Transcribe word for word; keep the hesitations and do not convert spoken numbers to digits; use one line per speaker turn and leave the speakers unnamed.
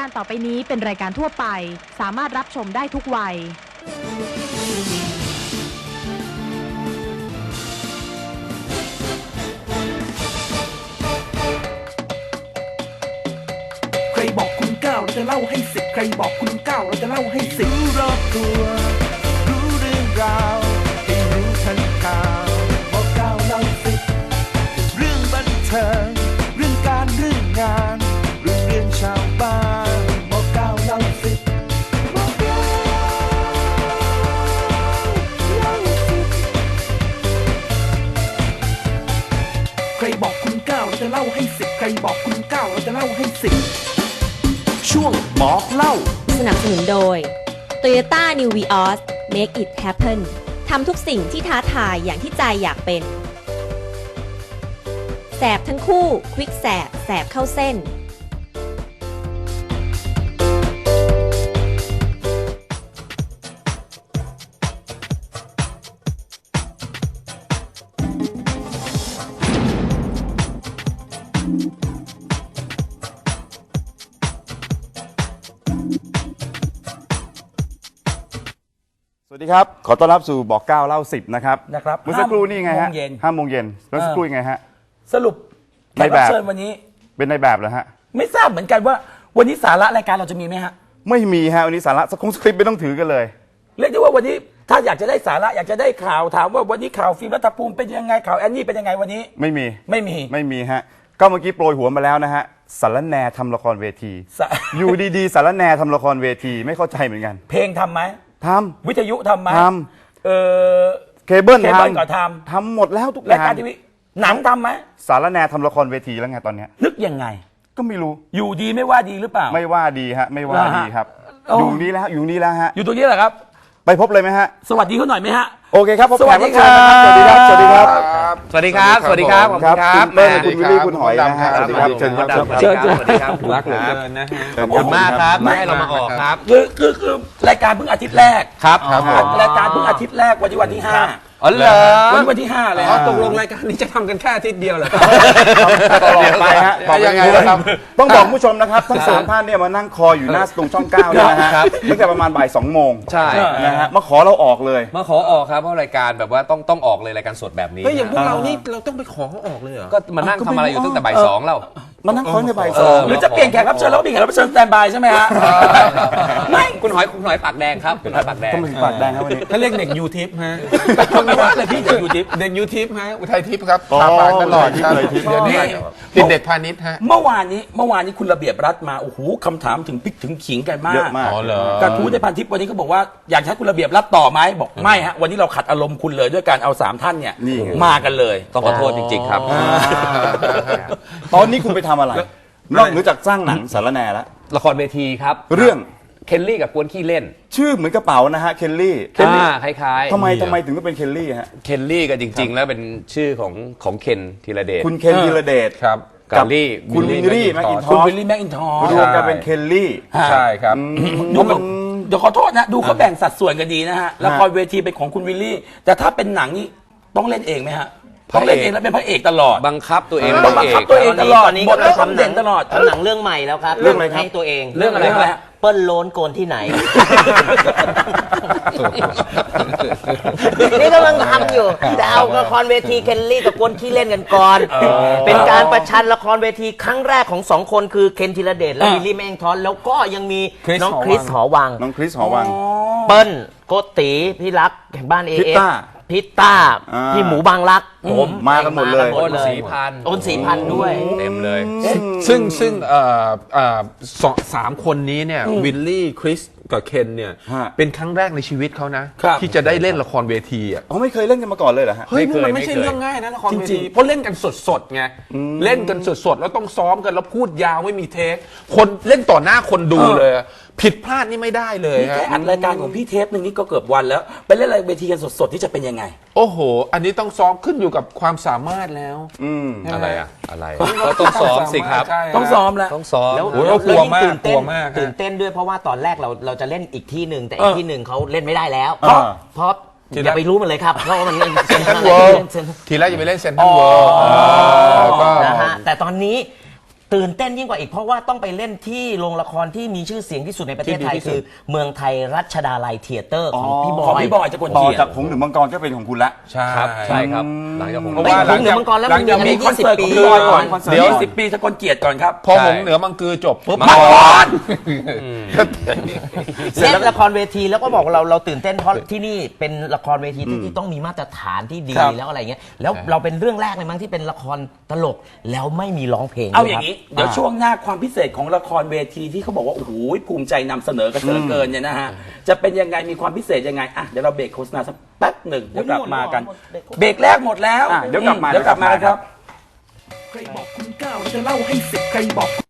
การต่อไปนี้เป็นรายการทั่วไปสามารถรับชมได้ทุกวัย
ใครบอกคุณเก้าเราจะเล่าให้สิบใครบอกคุณเก้าเราจะเล่าให้สิบรู้รอบตัวรู้เรื่องราวให้รู้ทันข่าวบอกเก้าเล่าสิบเรื่องบันเทิงเรื่องการเรื่องงานเรื่องเรื่องชาวบ้านบอกเก้าเล่าสิบบอกเก้าเล่าสิบใครบอกคุณเก้าเราจะเล่าให้สิบใครบอกคุณเก้าเราจะเล่าให้สิบช่วงบอกเล่า
สนับสนุนโดย Toyota New Vios Make it happen ทำทุกสิ่งที่ท้าทายอย่างที่ใจอยากเป็นแสบทั้งคู่ควิกแสบแสบเข้าเส้น
สวัสดีครับขอต้อนรับสู่บอกเก้าเล่าสิบนะครับ
นะครับ
เมื่อสักครู่นี่ไงฮะ
ห้าโมงเย็น
ห้าโมงเย็นเมื่อสักครู่ยังไงฮะ
สรุปแขกรับเชิญวันนี้
เป็นในแบบเหรอฮะ
ไม่ทราบเหมือนกันว่าวันนี้สาระรายการเราจะมีไหมฮะ
ไม่มีฮะวันนี้สาระสคงสคริปต์ไม่ต้องถือกันเลย
เรียกได้ว่าวันนี้ถ้าอยากจะได้สาระอยากจะได้ข่าวถามว่าวันนี้ข่าวฟิล์มรัฐภูมิเป็นยังไงข่าวแอนนี่เป็นยังไงวันนี้
ไม่มี
ไม่มี
ไม่มีฮะก็เมื่อกี้โปรยหัวมาแล้วนะฮะสารแหนทำละครเวที
สะ
อยู่ดีๆสารแหนทำละครเวทีไม่เข้าใจเหมือนกัน
เพลงทำไหม
ท
วิทยุทำไหม
ท
เออ
ำเคเบิล
เค
ท
เบิลก็ท
ำทำหมดแล้วทุกอ
ำราย
ย่าง
การทีวีหนังทำไหม
สารแหนทำละครเวทีแล้วไงตอนเนี้ย
นึกยังไง
ก็ไม่รู้
อยู่ดีไม่ว่าดีหรือเปล่า
ไม่ว่าดีฮะไม่ว่าดีครับ
โอ้
อยู่นี้แล้วอยู่นี้แล้วฮะ
อยู่ตรงนี้แหละครับ
ไปพบเลยไหมฮะ
สวัสดีเขาหน่อยไหมฮะ
โอเคครับพบ
สวั
แข
ส
ก
ดี
รับ
ค
เชิ
รั
ญ
บ
นะครับ สวัสดีครับ
สวัสดีครับ สวัสดีครับ สวัสดีครับ ขอบคุณครับ
คุณเปิ้ลคุณวิลลี่คุณหอยนะฮะสวัสดีครับเชิญครับ
เชิญสวัสดีครับรักเหลือเกินนะฮะขอบคุณมากครับที่ให้เรามาออกครับ
คือคือคือรายการเพิ่งอาทิตย์แรก
ครับครับผม
รายการเพิ่งอาทิตย์แรกวันที่วันที่ห้า
อ๋อเหรอ
วันนี้วันที่ห้าเลย
อ๋อตกลงรายการนี้จะทำกันแค่อาทิตย์เดียวเหรอครับ
ตลอดไปฮะบอก
ยังไงนะครับ
ต้องบอกผู้ชมนะครับทั้งสามท่านเนี่ยมานั่งคออยู่หน้าตรงช่องเก้าเนี่ยนะฮะตั้งแต่ประมาณบ่ายสองโมง
ใช่
นะฮะมาขอเราออกเลย
มาขอออกครับเพราะรายการแบบว่าต้องต้องออกเลยรายการสดแบบนี้
เฮ้ยอย่างพวกเรานี่เราต้องไปขอเขาออกเลยเหรอ
ก็มานั่งทำอะไรอยู่ตั้งแต่บ่ายสองแล้ว
มานั่งคอตั้งแต่บ่ายสอง
หรือจะเปลี่ยนแขกรับเชิญแล้วก็มีแขกรับเชิญสแตนบายใช่ไหมฮะไม่
คุณหอยคุณหอยปากแดงครับคุณหอยปากแดง
ต้องเป็นปากแดงครับวันนี้
เขาเรียกเด็กยูทิปฮะ
ไม่ว่าเลยพี่จะอยู่ดิฟ
เด็กยูทิปฮะ อุทัยทิพย์ครับ
อ๋อ
ตาปากตลอดครับ
อุทัยทิพย์
เดี๋ยวนี้ติดเด็กพาณิชย์ฮะ
เมื่อวานนี้เมื่อวานนี้คุณระเบียบรัฐมาโอ้โหคำถามถึงพริกถึงขิงกันมาก
เยอะมาก
อ๋อเหรอ
กระทู้ในพันทิปวันนี้ก็บอกว่าอยากให้คุณระเบียบรัฐต่อไหมบอกไม่ฮะวันนี้เราขัดอารมณ์คุณเลยด้วยการเอาสามท่านเนี่ย
นี่ไง
มากันเลย
ต้องขอโทษจริงๆครับ
ตอนนี้คุณไปทำอะไร นอกเหนือจากสร้างหนังสารแหนแล้ว
ละครเวทีครับ
เรื่อง
เคนลี่กับกวนขี้เล่น
ชื่อเหมือนกระเป๋านะฮะเคนลี่
อ่าคล้ายๆ
ทำไมทำไมถึงต้องเป็นเคนลี่ฮะ
เคนลี่ก็จริง ๆ แล้วเป็นชื่อของของเคนธีรเดช
คุณเคนธีรเดช
ครับ
กับลี่
คุณวิลลี่แมคอินท
คุณ
อ
วิ
ส
ลลี่แมคอินทอร์
รวมกันเป็นเคนลี่
ใช่ครับ
ดูแบบเดี๋ยวขอโทษนะดูเขาแบ่งสัดส่วนกันดีนะฮะละครเวทีเป็นของคุณวิลลี่ แต่ถ้าเป็นหนังนี่ต้องเล่นเองไหมฮะต้องเล่นเองแล้วเป็นพระเอกตลอด
บังคับตัวเอง
ต้องบังคับตัวเองตลอด
ตอนนี้
บท
ก็
เรา
ทำ
ทำเด่นตลอด
ทำหนังเรื่องใหม่แล้วครับ
เรื่องอะไรครับ
ให้ตัวเอง
เรื่องอะไรครับ
เปิ้ลโล้นโกนที่ไหน นี่กำลังทำอยู่แต่เอาละครเวทีเคนลี่กับกวนขี้เล่นกันก่อน เป็นการประชันละครเวทีครั้งแรกของสองคนคือเคนธีรเดชและ
อ่า
วิลลี่แมงทอนแล้วก็ยังมี
คริส
น้อง
หอวัง
คริสหอวัง
น้องคริสหอวัง
เปิ้ลโกติพี่รักแห่งบ้านเอ
พิต
เอ
ต้า
พิตต้า
อ่า
พี่หมูบางรักผม
มากันหมดเลย
า
โอน
เลย
สีพัน
โอนสีพันธุ์ด้วย
เต็มเลย
ซึ่งซึ่งเอ่อเอ่อสองสามคนนี้เนี่ยวิลลี่คริสกับเคนเนี่ย
ฮะ
เป็นครั้งแรกในชีวิตเขานะ
ครับ
ที่จะได้เล่นละครเวทีอ่ะ
อ๋อไม่เคยเล่นกันมาก่อนเลยเหรอฮะ
เฮ้ย
ไม่เคย
มันไม่ใช่
ไม่เคย
เรื่องง่ายนะละครเว
จริ
ที
งๆ
เพราะเล่นกันสดๆไงเล่นกันสดๆแล้วต้องซ้อมกันแล้วพูดยาวไม่มีเทคคนเล่นต่อหน้าคนดูเลยอะผิดพลาดนี่ไม่ได้เลย
นี่
ฮะ
แค่อัดรายการของพี่เทปหนึ่งนี่ก็เกือบวันแล้ว ไปเล่นรายเวทีกันสดๆที่จะเป็นยังไง
โอ้โห อันนี้ต้องซ้อมขึ้นอยู่กับความสามารถแล้ว
อืม
อะไรอะอะไรก็ต้องซ้อมสิครับ
ใช่ฮะ
ต้องซ้อมแล้ว
ต้องซ้อม
แล้ว
โอ้ย
แล้ว
กลัวมาก
ยิ่งตื่นเต้
กลั
น
วมากฮะ
ตื่นเต้นด้วยเพราะว่าตอนแรกเราเราจะเล่นอีกที่หนึ่งแต่
เอ
อี
อก
ที่หนึ่งเขาเล่นไม่ได้แล้ว
เพราะ
เพราะอย่าไปรู้มันเลยครับเพราะว่ามันเซ็นทรัล
World
เซ็นทรัล
ทีแรกจะไปเล่นเซนทรัลเวิลด์ก็
นะฮะแต่ตอนนี้ตื่นเต้นยิ่งกว่าอีกเพราะว่าต้องไปเล่นที่โรงละครที่มีชื่อเสียงที่สุดในประเทศไทย
ที่ดีที่สุ
คื
ด
อเมืองไทยรัชดาลัยเธียเตอร์ของพี่บ
ของ
อย
พี่บอยจะคน
ต่อ
เขียน
จากผงหรือมังกรก็เป็นของคุณละ
ใช่
ครับใช่ครับหลังจากผม
เพราะว่า
หงเหนือมังกรแล้ว
หลั
มัน
งจาก
มี
มีคอนเสิร์ตของ
ปี
พี่บอยก่อน
คอนเสิร์ต
เดี๋ยว
ก่อน
สิบปีสกลเกียรติก่อนครับ
พอหงเหนือมังคือจบปุ๊บ
มังกร
เล่นละครเวทีแล้วก็บอกเราเราตื่นเต้นเพราะที่นี่เป็นละครเวทีที่ที่ต้องมีมาตรฐานที่ดี
ครับ
แล้วอะไรเงี้ยแล้วเราเป็นเรื่องแรกเลยมั้งที่เป็นละครตลกแล้วไม่มีร้องเพลง
เอา
ด้วย
อย่า
ครับ
งนี้ เดี๋ยวช่วงหน้าความพิเศษของละครเวทีที่เขาบอกว่า โอ้โหภูมิใจนำเสนอกันเหลือเกินเนี่ยนะฮะ จะเป็นยังไงมีความพิเศษยังไงอ่ะเดี๋ยวเราเบรกโฆษณาสักแป๊บหนึ่งเดี๋ยวกลับมากัน เบรกแรกหมดแล้ว
อ่ะเดี๋ยวกลับมา
เดี๋ยวกลับมากันครับ
ใครบอกคุณเก้าเราจะเล่าให้สิบใครบอก